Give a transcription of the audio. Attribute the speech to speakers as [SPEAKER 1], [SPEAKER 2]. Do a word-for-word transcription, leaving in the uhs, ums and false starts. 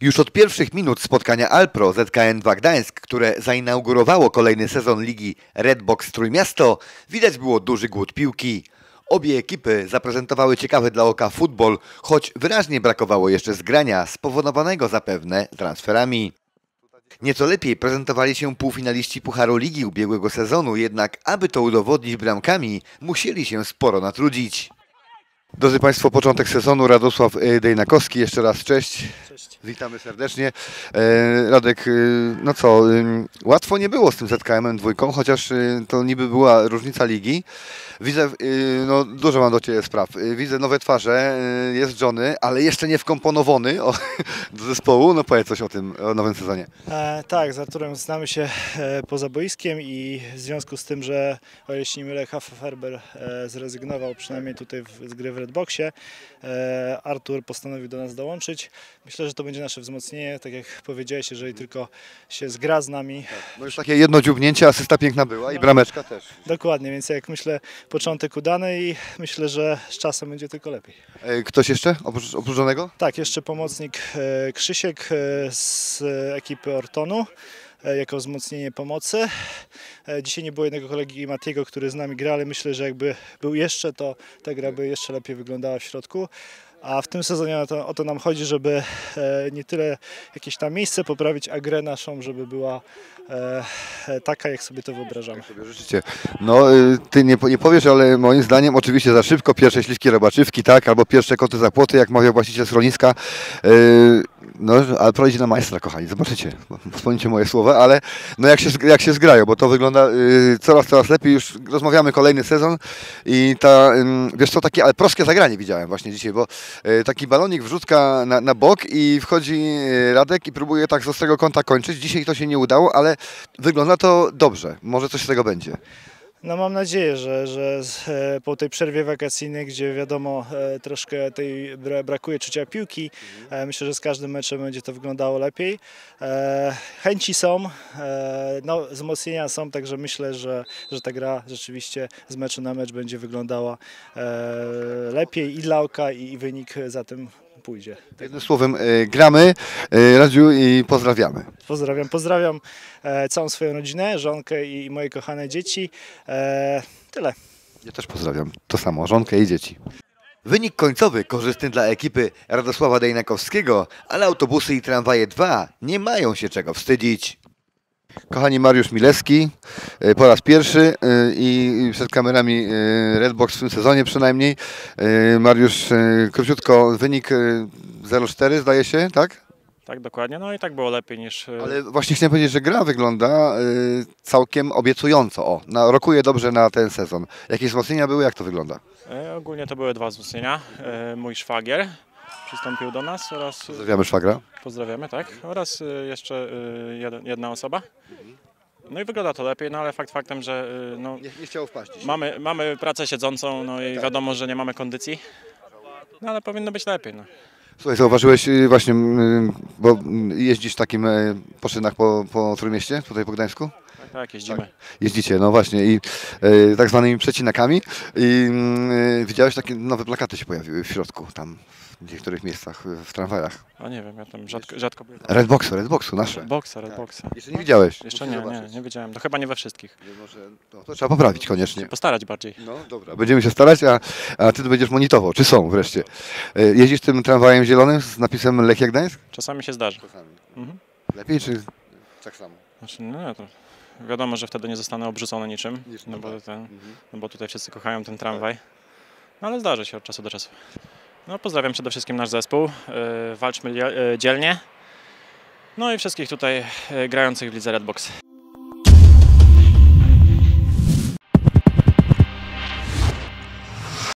[SPEAKER 1] Już od pierwszych minut spotkania Alpro Z K N dwa Gdańsk, które zainaugurowało kolejny sezon ligi Redbox Trójmiasto, widać było duży głód piłki. Obie ekipy zaprezentowały ciekawy dla oka futbol, choć wyraźnie brakowało jeszcze zgrania, spowodowanego zapewne transferami. Nieco lepiej prezentowali się półfinaliści Pucharu Ligi ubiegłego sezonu, jednak aby to udowodnić bramkami, musieli się sporo natrudzić. Drodzy Państwo, początek sezonu, Radosław Dejnakowski, jeszcze raz cześć.
[SPEAKER 2] Cześć.
[SPEAKER 1] Witamy serdecznie. E, Radek, no co, łatwo nie było z tym Z K M-em dwójką, chociaż to niby była różnica ligi. Widzę, no dużo mam do Ciebie spraw. Widzę nowe twarze, jest Johnny, ale jeszcze nie wkomponowany o, do zespołu. No powiedz coś o tym, o nowym sezonie.
[SPEAKER 2] E, tak, z Arturem znamy się e, poza boiskiem i w związku z tym, że o ile się nie mylę, Haferber e, zrezygnował przynajmniej tutaj w, z gry w Redboxie, e, Artur postanowił do nas dołączyć. Myślę, że to będzie nasze wzmocnienie, tak jak powiedziałeś, jeżeli tylko się zgra z nami.
[SPEAKER 1] No już takie jedno dziubnięcie, asysta piękna była i brameczka też.
[SPEAKER 2] Dokładnie, więc jak myślę, początek udany i myślę, że z czasem będzie tylko lepiej.
[SPEAKER 1] Ktoś jeszcze oprócz, oprócz Johnnego?
[SPEAKER 2] Tak, jeszcze pomocnik e, Krzysiek e, z ekipy Ortonu e, jako wzmocnienie pomocy. E, dzisiaj nie było jednego kolegi Matiego, który z nami gra, ale myślę, że jakby był jeszcze, to ta gra by jeszcze lepiej wyglądała w środku. A w tym sezonie o to, o to nam chodzi, żeby e, nie tyle jakieś tam miejsce poprawić, a grę naszą, żeby była e, e, taka, jak sobie to wyobrażamy.
[SPEAKER 1] Jak sobie życzycie. No, ty nie, nie powiesz, ale moim zdaniem oczywiście za szybko pierwsze śliwki robaczywki, tak, albo pierwsze koty za płoty, jak mawiał właściciel schroniska. Yy, no, ale prowadzi na majstra, kochani, zobaczycie, wspomnijcie moje słowa, ale no jak się, jak się zgrają, bo to wygląda yy, coraz, coraz lepiej, już rozmawiamy kolejny sezon i ta, yy, wiesz co, takie ale proskie zagranie widziałem właśnie dzisiaj, bo yy, taki balonik wrzutka na, na bok i wchodzi Radek i próbuje tak z ostrego kąta kończyć. Dzisiaj to się nie udało, ale wygląda to dobrze, może coś z tego będzie.
[SPEAKER 2] No mam nadzieję, że, że z, e, po tej przerwie wakacyjnej, gdzie wiadomo e, troszkę tej bra, brakuje czucia piłki, e, myślę, że z każdym meczem będzie to wyglądało lepiej. E, chęci są, e, no, wzmocnienia są, także myślę, że, że ta gra rzeczywiście z meczu na mecz będzie wyglądała e, lepiej i dla oka, i, i wynik za tym pójdzie.
[SPEAKER 1] Jednym słowem, y, gramy, y, Radziu, i pozdrawiamy.
[SPEAKER 2] Pozdrawiam, pozdrawiam e, całą swoją rodzinę, żonkę i moje kochane dzieci. E, tyle.
[SPEAKER 1] Ja też pozdrawiam. To samo, żonkę i dzieci. Wynik końcowy korzystny dla ekipy Radosława Dejnakowskiego, ale autobusy i tramwaje dwa nie mają się czego wstydzić. Kochani, Mariusz Milewski po raz pierwszy i przed kamerami Redbox w tym sezonie przynajmniej. Mariusz, króciutko, wynik zero cztery zdaje się, tak?
[SPEAKER 3] Tak, dokładnie. No i tak było lepiej niż...
[SPEAKER 1] Ale właśnie chciałem powiedzieć, że gra wygląda całkiem obiecująco. O, na, rokuje dobrze na ten sezon. Jakie wzmocnienia były? Jak to wygląda?
[SPEAKER 3] E, ogólnie to były dwa wzmocnienia. E, mój szwagier przystąpił do nas oraz...
[SPEAKER 1] Pozdrawiamy szwagra.
[SPEAKER 3] Pozdrawiamy, tak. Oraz e, jeszcze e, jeden, jedna osoba. No i wygląda to lepiej, no ale fakt faktem, że e, no,
[SPEAKER 1] Nie, nie chciało wpaść.
[SPEAKER 3] mamy, mamy pracę siedzącą, no i
[SPEAKER 1] Tak.
[SPEAKER 3] wiadomo, że nie mamy kondycji. No ale powinno być lepiej, no.
[SPEAKER 1] Słuchaj, zauważyłeś właśnie, bo jeździsz w takim poczynach po, po Trójmieście, tutaj po Gdańsku?
[SPEAKER 3] Tak, tak, jeździmy.
[SPEAKER 1] Tak. Jeździcie, no właśnie, i e, tak zwanymi przecinakami. I e, widziałeś, takie nowe plakaty się pojawiły w środku, tam w niektórych miejscach, w tramwajach.
[SPEAKER 3] A nie wiem, ja tam rzadko, rzadko byłem.
[SPEAKER 1] Redboxu, Redboxu, nasze.
[SPEAKER 3] Redboxa, Redboxa.
[SPEAKER 1] Jeszcze nie widziałeś?
[SPEAKER 3] Jeszcze
[SPEAKER 1] Musisz
[SPEAKER 3] nie, nie,
[SPEAKER 1] zobaczyć.
[SPEAKER 3] nie wiedziałem. To chyba nie we wszystkich.
[SPEAKER 1] Może, no, to trzeba poprawić koniecznie.
[SPEAKER 3] Postarać bardziej.
[SPEAKER 1] No dobra, będziemy się starać, a, a ty będziesz monitorował, czy są wreszcie. E, jeździsz tym tramwajem zielonym z napisem Lechia Gdańsk?
[SPEAKER 3] Czasami się zdarzy. Mhm.
[SPEAKER 1] Lepiej, czy tak samo?
[SPEAKER 3] Znaczy, no nie, to wiadomo, że wtedy nie zostanę obrzucony niczym,
[SPEAKER 1] Nic,
[SPEAKER 3] no bo,
[SPEAKER 1] tak.
[SPEAKER 3] ten,
[SPEAKER 1] Mhm.
[SPEAKER 3] no bo tutaj wszyscy kochają ten tramwaj. No ale zdarzy się od czasu do czasu. No pozdrawiam przede wszystkim nasz zespół, yy, walczmy lie- yy, dzielnie. No i wszystkich tutaj yy, grających w lidze Redbox.